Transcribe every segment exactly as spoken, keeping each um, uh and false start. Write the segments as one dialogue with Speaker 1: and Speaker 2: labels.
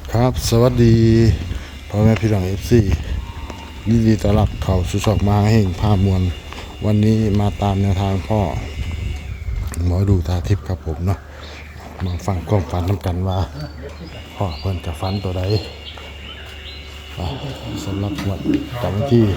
Speaker 1: ครับสวัสดีพ่อแม่พี่น้องเอฟซียินดีต้อนรับเข้าสู่ช่องมาแห่งภาพมวลวันนี้มาตามแนวทางพ่อหมอดูตาทิพย์ครับผมเนาะมาฟังความฝันนำกันว่าพ่อเพิ่นจะฝันตัวใดสำหรับวันจันทร์ที่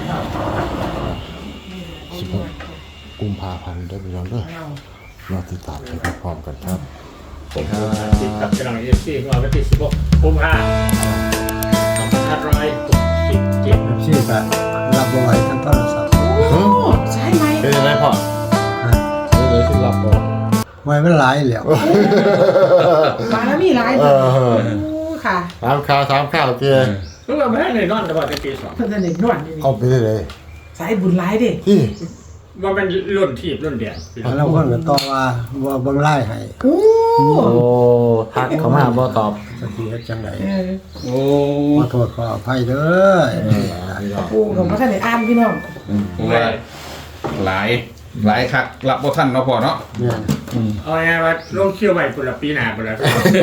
Speaker 1: สิบหกกุมภาพันธ์ได้ไปย้อนเด้อมาติดตามไปพร้อมกันครับ
Speaker 2: ผมติดกับกำลังเอฟซีของเราวันที่สิบหกกุมภาพันธ์สองพันห้าร้อยหกสิบเจ็ด
Speaker 3: ชื่อแบบรับบ่อยทั้งโทรศัพท์
Speaker 4: โอ้ใช่ไหม
Speaker 1: เป็นยังไงพ่อเป็นเลยที่รับก่อน
Speaker 3: ไว้มันหลายแล้ว
Speaker 4: มาแล้วมีหลายตัวค่ะ
Speaker 1: ถามข่าวถามข่าวเจ้
Speaker 2: รู้ว่าไม่ได้ในนอนแต่ว่าในปีสอง
Speaker 4: เพื่อนเด็กนวดนี่
Speaker 1: เอาไปได้เลย
Speaker 4: สายบุญหลายเด็ก
Speaker 1: ที่
Speaker 2: ว่ามันรุ่นทีบรุ่นเดียน
Speaker 3: แล้วคนก็ตอบว่าว่าเบิ่งไล่ให้
Speaker 4: โอ้
Speaker 1: โอ้ทักเขามาบ่ตอบ
Speaker 3: สักทีเฮ็ดจังได๋
Speaker 2: โอ้
Speaker 3: ขอโทษขออภัยเด้อ
Speaker 4: โอ้ผมก็ท่านได้อ่านพี่น้อง
Speaker 5: ว่าหลายหลายคักรับบ่ทันเนาะพ่อเนาะ
Speaker 3: เนี่ย
Speaker 2: เอาไงว่าลงเคี่ยวใหม่ปุระปีหน้าปุระ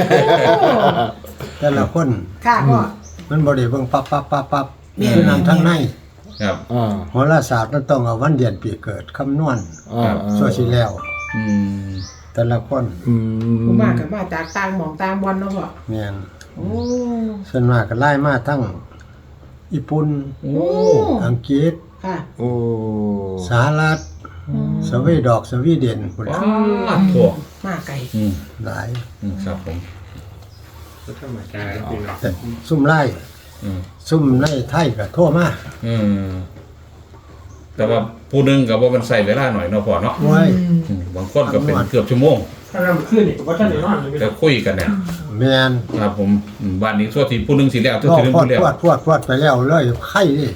Speaker 3: แต่ละคน
Speaker 4: ค่ะพ่อ
Speaker 3: มันบ่ได้เบิ่งปั๊บปั๊บปั๊บปั๊บคือนำทั้งใน
Speaker 5: ครับ
Speaker 1: อ่า
Speaker 3: โหราศาสตร์มันต้องเอาวันเดือนปีเกิดคำนวณ
Speaker 1: อ่า
Speaker 3: ซั่วสิแล้ว
Speaker 5: อืม
Speaker 3: แต่ละคน
Speaker 1: อืม
Speaker 4: ผมมากับมาจากต่างหม่องต่างวันเนาะพ่อ
Speaker 3: แม่น
Speaker 4: โอ้
Speaker 3: ส่วนมากก็ไล่มาทั้งญี่ปุ่น
Speaker 4: โอ้
Speaker 3: อังกฤษ
Speaker 4: ค่ะ
Speaker 1: โอ้
Speaker 3: สหรัฐสวีดอกสวีเดนพุ่น
Speaker 5: ว้าโถ
Speaker 4: มาไกล
Speaker 5: อืม
Speaker 3: หลาย
Speaker 5: อืมครับผม
Speaker 2: ธรรมดาพี่น้อง
Speaker 3: แต่ซุ่มไล่
Speaker 5: อืม
Speaker 3: ซุ่มในไทยก็โทรมา
Speaker 5: อืมแต่ว่าผู้นึงก็บ่มันใช้เวลาหน่อยเนาะพ่อเนาะ
Speaker 3: โอ้ย
Speaker 5: บางคนก็เป็นเกือบชั่วโมง
Speaker 2: ถ้าเราขึ้นนี่ว่าท่านในนอนเลย
Speaker 5: แล้วคุยกันเนี่ย
Speaker 3: แม่น
Speaker 5: ครับผมบ้านนี้ทั่วที่ผู้นึงสิแล้วทั่วที่นึง
Speaker 3: พอด
Speaker 5: ผู้แล้ว
Speaker 3: พอดพอดพอดไปแล้วเลยไข่ดิ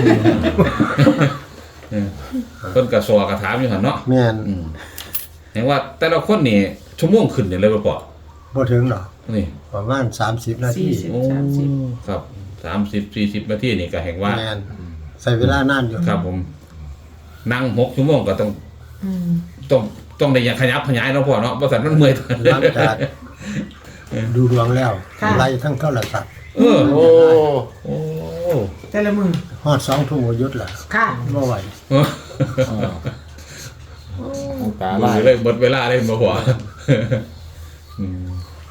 Speaker 5: เออเพิ่นก็สอกระถามอยู่หั่นเนาะ
Speaker 3: แม่น
Speaker 5: อืมเห็นว่าแต่ละคนนี่ชั่วโมงขึ้นนี่เลยบ่พ่อ
Speaker 3: บ่ถึงดอก
Speaker 5: นี่
Speaker 3: ประมาณสามสิบนาที
Speaker 5: โอ้ครับสามสิบ สี่สิบนาทีนี่ก็แห่งว่า
Speaker 3: แม่นใช้เวลานานอยู่
Speaker 5: ครับผมนั่งหกชั่วโมงก็ต้องต้องต้องได้อย่างขยับขยายเนาะพ่อเนาะบ่ซั่นมันเมื่อย
Speaker 3: หลังจากดูดวงแล้วไล่ทั้งโทรศัพท์
Speaker 5: เออโอ้โอ้
Speaker 4: แต่ละมือ
Speaker 3: ฮอดสองทุ่มก็หยุดล่ะ
Speaker 4: ค่ะ
Speaker 3: บ่ไหว
Speaker 1: ตาลาย
Speaker 5: เลยหมดเวลาเลยบ่พ่ออืม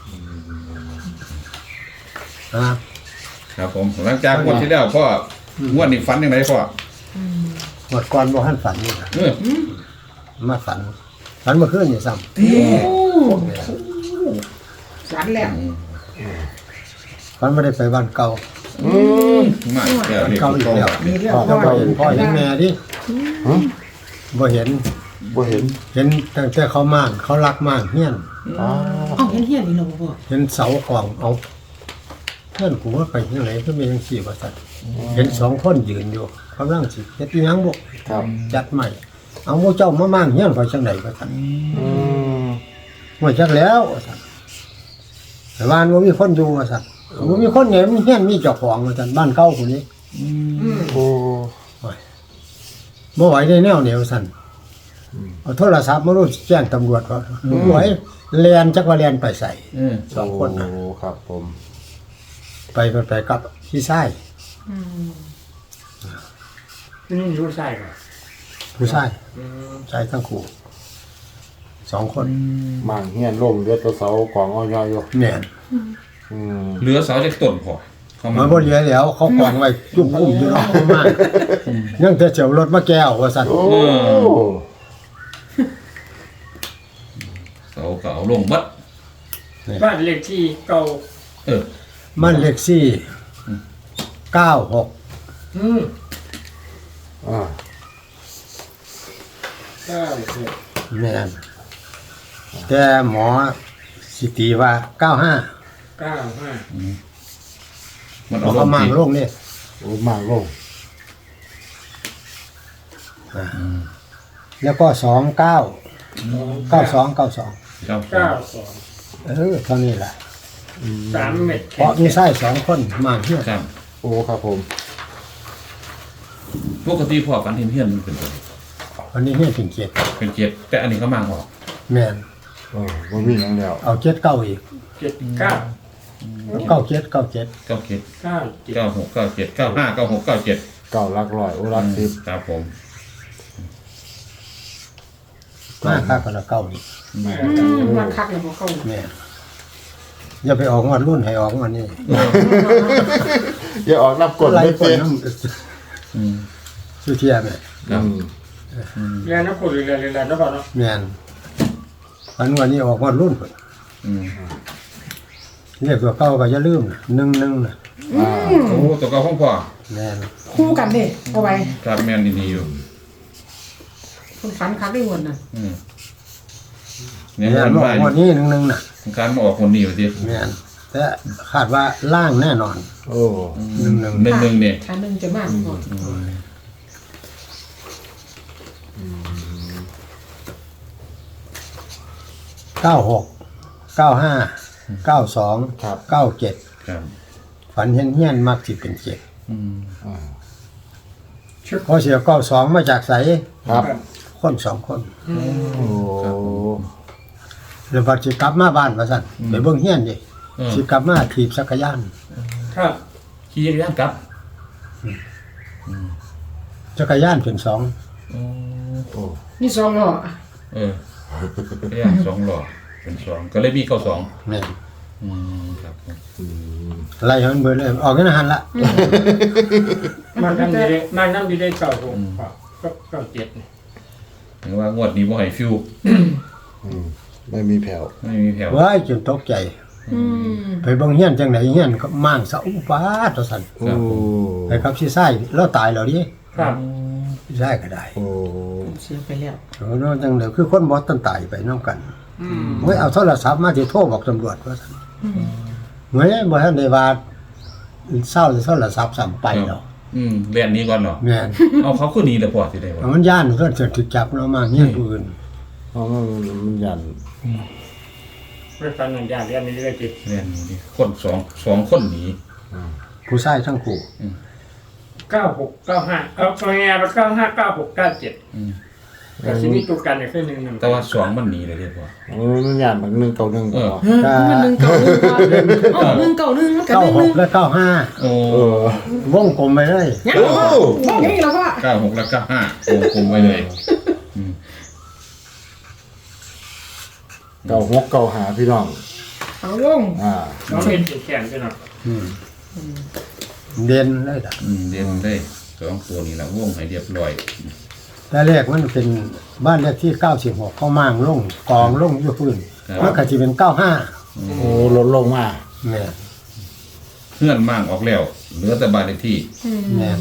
Speaker 3: ครับ
Speaker 5: ครับผมหลังจากงวดที่แล้วพ่องวดนี้ฝันจังไดพ่อ
Speaker 3: หมดก่อนบ่ทันฝันนี่ล่ะ
Speaker 5: เออ
Speaker 3: มาฝันฝันเมื่อคืนนี่ซ้ำ
Speaker 4: โอ้ฝันแล้ว
Speaker 3: ฝันบ่ได้ไปบ้านเก่า
Speaker 5: อืมมาแล้วนี่
Speaker 3: เก่าอีกแล้วพ่อเห็นพ่อเห็นแม่ดิฮะบ่เห็น
Speaker 1: บ่เห็น
Speaker 3: เห็นตั้งแต่เขาม่านเขารักม่านเฮียน
Speaker 1: อ๋อ
Speaker 4: เอ้าเห็นเฮียนนี่เหรอพ่อ
Speaker 3: เห็นเสาของเอาเพื่อนกูว่าไปที่ไหนก็มีจังซี่ว่าซั่นเห็นสองคนยืนอยู่กำลังสิเฮ็ดอีหยังบ่
Speaker 1: ครับ
Speaker 3: จัดใหม่เอาหมู่เจ้ามาม่านเฮียนไปจังได๋ว่าซั่น
Speaker 1: อืม
Speaker 3: บ่จักแล้วว่าซั่นแต่บ้านบ่มีคนอยู่ว่าซั่นบ่มีคนไงมันเฮียนมีเจ้าของว่าซั่นบ้านเก่าผู้นี้
Speaker 4: อืม
Speaker 1: โอ้
Speaker 3: บ่ไหวได้แนวแนวซั่นเอาโทรศัพท์มารู้แจ้งตำรวจว่าบ่ไหวแล่นจักว่าแล่นไปใส่
Speaker 5: อืม
Speaker 3: สองคนน่ะ
Speaker 1: โอ้ครับผม
Speaker 3: ไปไปกับพี่ชาย
Speaker 4: อืม
Speaker 2: นี่รู้ใช่ไหม
Speaker 3: ผู้ชายชายทั้งคู่สองคน
Speaker 1: มางเฮียนล่มเลือดตัวเสากองอ้อยอยู่
Speaker 3: แม่น
Speaker 1: อืม
Speaker 5: เหลือเสาจากต้นพ่อ
Speaker 3: มันบ่เหลือแล้วเขากองไว้จุ่มกุ้มอยู่เนาะมากยังแต่เจียวรถมาแก้วว่าซั่น
Speaker 1: โอ้
Speaker 5: เสาก็เอาลงบัด
Speaker 2: บ้านเลขที่เก่า
Speaker 5: เออ
Speaker 3: มันเลขสี่เก้าหก
Speaker 2: อืม
Speaker 1: อ่า
Speaker 2: เก้าหก
Speaker 3: แม่นแต่หมอสิตีว่าเก้าห้า
Speaker 2: เก้าห้า
Speaker 5: มัน
Speaker 3: เอาเขามั่งลงนี่
Speaker 1: โอ้มางลง
Speaker 3: แล้วก็สองเก้าเก้าสองเก้าสอง
Speaker 2: เก้าสอง
Speaker 3: เออเท่านี้แหละ
Speaker 2: สามเม็ด
Speaker 3: เพราะมีไส้สองคนมาเที่ยว
Speaker 5: ครับ
Speaker 1: โอ้ครับผม
Speaker 5: ปกติพ่อฝันเห็นเฮียนมันเป็นตัว
Speaker 3: วันนี้เฮียนเป็นเจ็ด
Speaker 5: เป็นเจ็ดแต่อันนี้เขามั่งออก
Speaker 3: แม่น
Speaker 1: โอ้บ่มีหยังแล้ว
Speaker 3: เอาเจ็ดเก้าอีก
Speaker 2: เจ็ดเก้า
Speaker 5: อ
Speaker 3: เก้าเจ็ดเก้าเจ็ด
Speaker 5: เก้าเจ็ด
Speaker 2: เก้าเจ็ด
Speaker 5: เก้าหกเก้าเจ็ดเก้าห้าเก้าหกเก้าเจ็ด
Speaker 1: เก่าหลักร้อยโอ้หลักสิบ
Speaker 5: ครับผม
Speaker 3: มาค่ากันละเก้านี่
Speaker 4: อืมมาคักเลยบ่เข้า
Speaker 3: แม่อย่าไปออกงวดรุ่นให้ออกงวดนี้
Speaker 1: อย่าออกนับกด
Speaker 3: ไล่
Speaker 1: ไม่
Speaker 3: คน
Speaker 1: เป็น
Speaker 3: น้
Speaker 5: อืม
Speaker 3: ำสุเทียแม่
Speaker 5: ครับ
Speaker 2: เรียนนักพูดเรียนเรียนเรียนนักบอลเนาะ
Speaker 3: แม่นอันวันนี้ออกงวดรุ่นพุ่น
Speaker 5: อืม
Speaker 3: เรียกตัวเก้าก็อย่าลืมนะหนึ่งหนึ่งนะ
Speaker 1: อ่า
Speaker 5: โอ้ตัวเก่าของพ่อ
Speaker 3: แม่น
Speaker 4: คู่กันเด้เอาไว้
Speaker 5: ครับแม่นดีๆอยู่
Speaker 4: คนฝันคักได้หมดน่ะ
Speaker 5: อืมเนี่ย
Speaker 3: แม่
Speaker 5: มัน น
Speaker 3: ออ
Speaker 5: ว่าก
Speaker 3: งวดนี้หนึ่งหนึ่งน่ะ
Speaker 5: การมาออกคนนี้อยู่ดิ
Speaker 3: แม่นแต่คาดว่าล่างแน่นอน
Speaker 1: โอ้
Speaker 3: หนึ่งหนึ่ง
Speaker 5: หนึ่งหนึ่งเนี่ย
Speaker 4: อันหนึงจะมากก่อน
Speaker 3: เก้าหกเก้าห้าเก้าสองเก้าเจ็ด
Speaker 5: ครับ
Speaker 3: ฝันเห็นเฮี้ยนมักสิเป็นเจ็ด
Speaker 5: อืม
Speaker 1: อ่า
Speaker 3: พอเสียเก้าสองมาจากใส
Speaker 1: ครับ
Speaker 3: คนสองคน
Speaker 1: โอ้
Speaker 3: เดี๋ยวพอสิกลับมาบ้านมาสั่นไปเบิ่งเฮี้ยนดิ
Speaker 5: เออ
Speaker 3: สิกลับมาถีบจักรยาน
Speaker 2: ครับ
Speaker 5: ขี่จักรยานกลับ
Speaker 3: จักรยานเป็นสอง
Speaker 5: โอ้
Speaker 1: โอ้
Speaker 4: นี่สองล้อ
Speaker 5: เออจักรยานสองหล่อเป็นสองก็เลยมีเก้าสอง
Speaker 3: แม่น
Speaker 5: อืมครับผม
Speaker 3: ไล่ให้มันเบิดเลยออกกันหันละ
Speaker 2: มันน้ำดีได้มันน้ำดีได้เก้าหกก็เก้าเจ็ด
Speaker 5: เห็นว่างวดนี้บ่ให้ฟิว
Speaker 1: อืมไม่มีแผ่ว
Speaker 5: ไม่มีแผ่ว
Speaker 3: ว้ายจนตกใจ
Speaker 4: อืม
Speaker 3: ไปเบิ่งเฮี้ยนจังไดเฮี้ยนก็ม่างเสาฟ้าตัวสั่น
Speaker 1: โอ้
Speaker 3: ไปครับสิไส้แล้วตายแล้วดิ
Speaker 2: ครับ
Speaker 3: สิไส้ก็ได้
Speaker 1: โอ้
Speaker 4: เสียไปแล้ว
Speaker 3: โอ้น้จังได๋คือคนบ่ตันตายไปนำกัน
Speaker 2: อืม
Speaker 3: เฮ้ยเอาโทรศัพท์มาสิโทรบอกตำรวจว่าซั่นเฮ้ยบ่ทันได้ว่าเศร้าโทรศัพท์ซ้ํไปแล้ว
Speaker 5: อืมเรียนนี้ก่อนเนาะ
Speaker 3: แม่น
Speaker 5: เอาเขาคือดีแล้วพอสิได้บ่
Speaker 3: มันย่านเพิ่นจะถูกจับเนาะมาเฮี้ยนผู้อื่น
Speaker 1: เพราะมันมันยัน
Speaker 2: ไม่ฟันหนึ่งอย่างเรียนนี้ได้จิต
Speaker 5: เรียนนี้ดิคนสองสองคนหนี
Speaker 3: ผู้ชายทั้งคู่
Speaker 2: เก้าหกเก้าห้าเอาตัวแง่ไปเก้าห้าเก้าหกเก้าเจ็ด
Speaker 5: อืม
Speaker 2: แต่ที่นี่ตัวกันเนี่ยคือหนึ่งหนึ่ง
Speaker 5: แต่ว่าสองมันหนีเลยเรียกว่า
Speaker 1: มันยันแบบหนึ่งเก่าหนึ่ง
Speaker 5: เออ
Speaker 1: เหรอ
Speaker 4: เออมันหนึ่งเก่าหนึ่งก่อนอ๋อหนึ่งเก่าหนึ่งมันกับ
Speaker 3: เก้า
Speaker 4: หนึ่ง
Speaker 3: ห
Speaker 4: หนึ่ง
Speaker 3: กและเก้าห้า
Speaker 5: โอ้
Speaker 1: เออ
Speaker 3: วงกลมไปเลย
Speaker 4: ยังบ่บอกอย่างนี้แล้วว่า
Speaker 5: เก้าหกแล้วเก้าห้าโอ้คุมไปเลยอืม
Speaker 1: เก่าหกเก่าหาพี่น้อง
Speaker 4: เอาลง
Speaker 1: อ่า
Speaker 2: เราเล่นแข่งกันหน่อย
Speaker 3: อืมเด่นเลยล่ะ
Speaker 5: อืมเรียนได้สองตัวนี้ละวงให้เรียบร้อย
Speaker 3: แต่แรกมันเป็นบ้านเลขที่เก้าสิบหกเข้ามั่างลงกองลงอยู่พื้นมันก็สิเป็นเก้าห้า
Speaker 1: โอ้ลดลงมา
Speaker 3: แม่น
Speaker 5: เพื่อนมั่งออกแล้วเหลือแต่บ้านเลขที่
Speaker 3: แม่น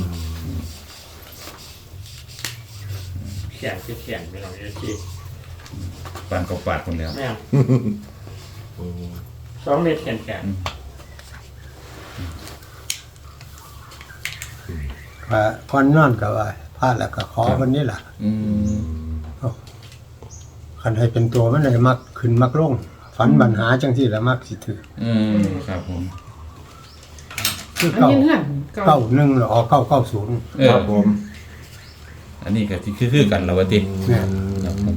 Speaker 2: แข่งคือแข่งไปหน่อยได้จิต
Speaker 5: ปานกับปาดคนแล้ว
Speaker 2: แม่สองเมตรแข่งแข่ง
Speaker 3: ก็ก่อนนอนก็ว่าพลาดแล้วก็ขอวันนี้ล่ะ
Speaker 5: อืม
Speaker 3: คันให้เป็นตัวมันเลยมักขึ้นมักลงฝันปัญหาจังที่ละมักสิถือ
Speaker 5: อืมครับผม
Speaker 3: คือ
Speaker 4: อัน
Speaker 3: เก้า
Speaker 4: นี้เงื่อนเก่า
Speaker 3: เก้าหนึ่งหรือออกเก้าเก้าศูนย์
Speaker 5: เอ
Speaker 1: ค
Speaker 5: อ
Speaker 1: รับผม
Speaker 5: อันนี้ก็ที่คือๆกันแล้ววะติ
Speaker 3: แม่น
Speaker 5: ครับผม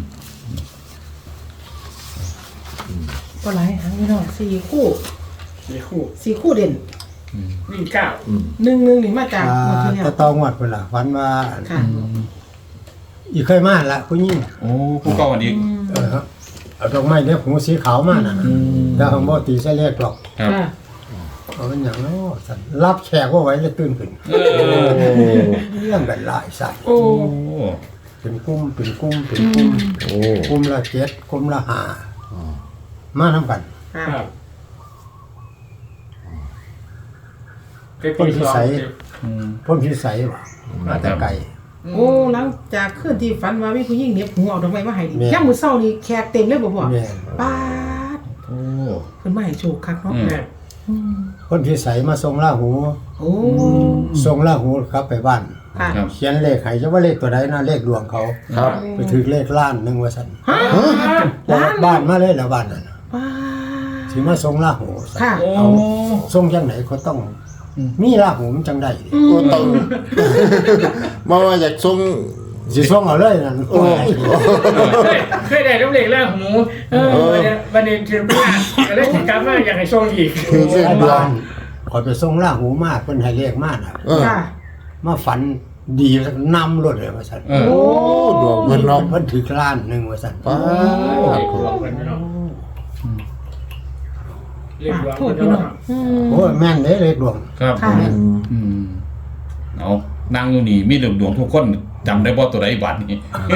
Speaker 4: ก็หลายหางนี่เนาะสี่คู่
Speaker 2: มีคู่
Speaker 4: สี่คู่เด่น
Speaker 2: วิ่งเก้า
Speaker 4: หนึ่งหนึ่งนี่มาจาก
Speaker 3: อ่า
Speaker 4: หมดที่แล้ว
Speaker 3: แต่ตองวดเพิ่นล่ะฝันว่า
Speaker 4: ค่ะ
Speaker 3: อีเคยมาละผู้หญิง
Speaker 5: โอ้ผู้เก่าอันนี้
Speaker 3: เออครับเอาดอกไม้เล็บหูสีขาวมาน่ะแต่ของบ่ตีใส่เลขหรอก
Speaker 5: ครับ
Speaker 4: ค่ะ
Speaker 3: เอาเป็นอย่างน้อสันรับแขกว่าไว้เลยตื่นขึ้น
Speaker 5: เออ
Speaker 3: เรื่องกันหลายสัตว์
Speaker 4: โอ้
Speaker 5: โอ้
Speaker 3: เป็นกุ้มเป็นกุ้มเป็นกุ้ม
Speaker 1: โอ้
Speaker 3: กุ้มละเจ็ดกุ้มละห้ามาทำกัน
Speaker 4: ค่ะ
Speaker 2: ครับเป็นที่สอง
Speaker 5: อืม
Speaker 3: พ่นพิสัยว่ะมาแต่ไก่
Speaker 4: โอ้หลังจากคืนที่ฝันว่ามีผู้หญิงเหน็บหูเอาดอกไม้มาให้นี่
Speaker 3: แม่
Speaker 4: ย่ามมื้อเช้านี่แขกเต็มเลยบ่พ่อ
Speaker 3: แม่น
Speaker 4: ป๊าด
Speaker 5: โอ้
Speaker 4: เพิ่นมาให้โชคคักเนาะ
Speaker 5: อืม
Speaker 2: แม่
Speaker 4: อืม
Speaker 3: พ่นพิสัยมาส่งล่าหู
Speaker 4: โอ้
Speaker 3: ส่งล่าหูครับไปบ้าน
Speaker 4: ค่ะ
Speaker 5: ครับ
Speaker 3: เขียนเลขให้จะว่าเลขตัวใดนะเลขดวงเขา
Speaker 1: ครับ
Speaker 3: ไปถือเลขล้านหนึงว่าซั่น
Speaker 4: ฮะ
Speaker 3: ว่าบ้านมาเลยแล้วบ้านนั้นน่ะ
Speaker 4: ป๊าด
Speaker 3: สิมาส่งล่าหูซั่น
Speaker 4: ค่ะ
Speaker 5: โอ้
Speaker 3: เอาส่งจังไหนก็ต้องมีล่าหูมันจังได้ดิ
Speaker 1: ก็ต้อง มาว่าอยากส่ง
Speaker 3: สิส่งเอาเลยนั่นโอ้ย
Speaker 2: เคยเคยได้น้ำเหล็กแล้วหมูเออวันนี้วันนี้ถือว่าก็เลยถึงกลับมาอยากให้ส่งอีก
Speaker 1: คือเส้นดวง
Speaker 3: ขอยไปส่งล่าหูมากเพิ่นให้เลขมากน่ะ
Speaker 1: เออ
Speaker 4: ค่ะ
Speaker 3: มาฝันดีนำรถเลยว่าซั่น
Speaker 5: เออ
Speaker 1: โอ้ดวงเพิ่นเนาะ
Speaker 3: เพิ่นถือล้านหนึงว่าซั่น
Speaker 1: ป้า
Speaker 2: เรีย
Speaker 1: ด
Speaker 2: กดวงกันเนาะเรียกดวง
Speaker 4: ถูก
Speaker 2: กัน
Speaker 4: พี่น้อง
Speaker 2: เนาะ
Speaker 4: อืม
Speaker 3: โอ้ยแม่นเด้เลขดวง
Speaker 5: ครับผ
Speaker 4: ค่ะ
Speaker 5: มอืมเอานั่งอยู่นี่มีดวงดวงทุกคนจำได้บ่ตัวใดบัดนี้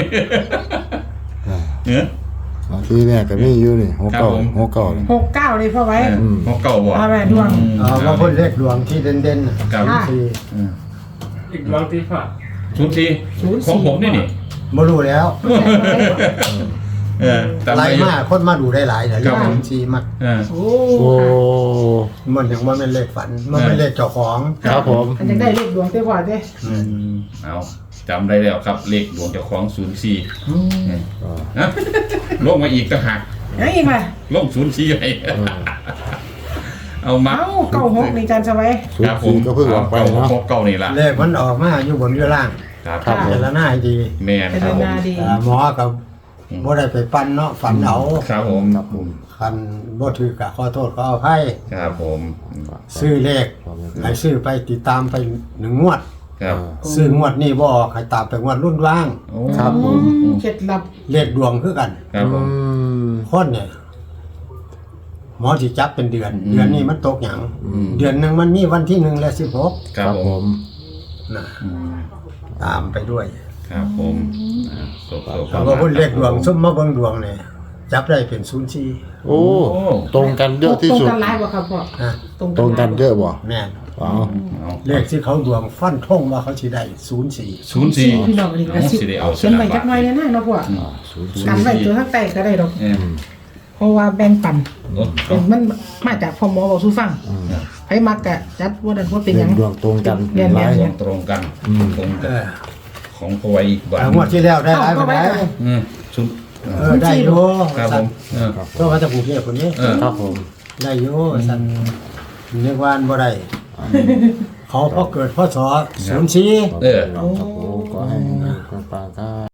Speaker 5: เออ
Speaker 1: ทีเนี่ยก็มีอยู่นี่หัวเก่า
Speaker 5: ครับผม
Speaker 1: หัวเก่านี่
Speaker 4: หกเก้าเลยพ่อไว้
Speaker 5: เออของเก่าบ่
Speaker 4: เอาแม่ดวง
Speaker 5: อืม
Speaker 3: เออว่าเพิ่นเลขดวงที่เด่นๆน่ะ
Speaker 5: ครับ
Speaker 4: ค่ะ
Speaker 3: สี่
Speaker 5: อืม
Speaker 2: เรียกดวงตีฟ้า
Speaker 5: ศูนย์สี่
Speaker 4: ศูนย์สี่
Speaker 5: ของผมนี่นี่
Speaker 3: บ่รู้แล้ว
Speaker 5: เออจำ
Speaker 3: ไล่
Speaker 5: ได้อยู่
Speaker 3: มาคนมาดูได้หลายแต่เล
Speaker 5: ครั
Speaker 3: ข
Speaker 5: บผม
Speaker 3: สี่มัก
Speaker 5: เออ
Speaker 4: โอ้
Speaker 1: โอ้
Speaker 3: มันยังบ่แม่นเลขฝันมันเป็นเลขเจ้าของ
Speaker 1: ครับผม
Speaker 4: อันจะได้เลขดวงเต้พ่อเต้
Speaker 5: อืมเอาจำได้แล้วครับเลขดวงเจ้าของศูนย์สี่
Speaker 1: อ่า
Speaker 5: นะลงมาอีกต่างหาก
Speaker 4: ยังอีกไหม
Speaker 5: ลงศูนย์สี่ไปเอามา
Speaker 4: เอ้าเก้าหกนี่จันสบาย
Speaker 1: ศูนย์สี่ก็เพิ่งออกไปเนาะ
Speaker 5: เก่านี่ละ
Speaker 3: เลขมันออกมาอยู่บนอยู่ล่าง
Speaker 5: ครับ
Speaker 1: ครับ
Speaker 3: เจรนาให้ดี
Speaker 5: แม่น
Speaker 4: เป็น
Speaker 5: ครับผม
Speaker 4: นาดี
Speaker 3: แต่หมอกับบ่ได้ไปปั้นเนาะฝันเอา
Speaker 5: ครับผม
Speaker 1: ครับผม
Speaker 3: คันบ่ถือกะขอโทษขออภัย
Speaker 5: ครับผม
Speaker 3: ซื้อเลขให้ซื้อไปติดตามไปหนึ่งงวด
Speaker 5: ครับ
Speaker 3: ซื้องวดนี้บ่ออกให้ตามไปงวดรุ่นว่าง
Speaker 5: โอ้
Speaker 1: ครับผม
Speaker 4: อืมเคล็ดลับ
Speaker 3: เลขดวงคือกัน
Speaker 5: ครับผ
Speaker 1: อื
Speaker 5: ม
Speaker 1: ม
Speaker 3: คนเนี่ยหมอสิจับเป็นเดือน
Speaker 5: อืม
Speaker 3: เดือนนี้มันตกหยัง
Speaker 5: อืม
Speaker 3: เดือนหนึงมันมีวันที่หนึ่งและสิบหก
Speaker 5: ครับผม
Speaker 3: น่ะ
Speaker 5: อืม
Speaker 3: ตามไปด้วย
Speaker 5: ครับผมอ่าโศกโศก
Speaker 3: แล้วก็คนเลขดวงซุ่มมาเบิ่งดวงเนี่ยจับได้เป็นศูนย์สี่
Speaker 1: โอ้ตรงกันเยอะที่
Speaker 4: ตรง
Speaker 1: สุด
Speaker 4: กันหลายบ่ครับพ่อ
Speaker 3: ฮะ
Speaker 1: ตรงกันเยอะบ่
Speaker 3: แม่น
Speaker 1: ว้าว
Speaker 5: เอา
Speaker 3: เลขที่เขาดวงฟันธงว่าเขาสิได้ศูนย์สี่
Speaker 5: ศูนย์สี่
Speaker 4: พี่น้องนี่ก็
Speaker 5: เอา
Speaker 4: สิ
Speaker 5: สิได้เอา
Speaker 4: เขียนไว้จักหน่อยเนี่ยนะเนาะพ่อ
Speaker 1: อ่าศูนย์สี่
Speaker 4: กันไว้ตัวทั้งแต่ก็ได้ดอก
Speaker 5: เออ
Speaker 4: เพราะว่าแบ่งปัน
Speaker 5: โอ้
Speaker 4: เป็นมันมาจากพ่อหมอบอกสู้ฟังไผมักกะจัดว่าดันว่าเป็นห
Speaker 1: เป็
Speaker 4: ยั
Speaker 1: น
Speaker 4: ง
Speaker 1: ดวงตรงกัน
Speaker 4: เรียน
Speaker 1: หลาย
Speaker 4: เรียน
Speaker 5: ตรงกัน
Speaker 1: อืม
Speaker 5: ตรง
Speaker 3: เอ
Speaker 5: กัน
Speaker 3: อ
Speaker 5: ของพอไว้อีกบาท
Speaker 3: แต่งวดที่แล้วได้หลาย
Speaker 4: เอาเข้า
Speaker 3: ไป
Speaker 4: ไว้
Speaker 3: ไหน
Speaker 4: ก่อน
Speaker 5: อืมชุด
Speaker 3: เออได้อยู่
Speaker 5: ครับผมเออ
Speaker 3: ก็มาจากกรุงเทพคนนี้
Speaker 5: เออ
Speaker 1: ครับผม
Speaker 3: ได้อยู่สั่นนึกว่าบ่ได้เขาพอเกิดพศศูนย์สี่
Speaker 5: เออ
Speaker 1: ครับผมขอให้ปังๆครับ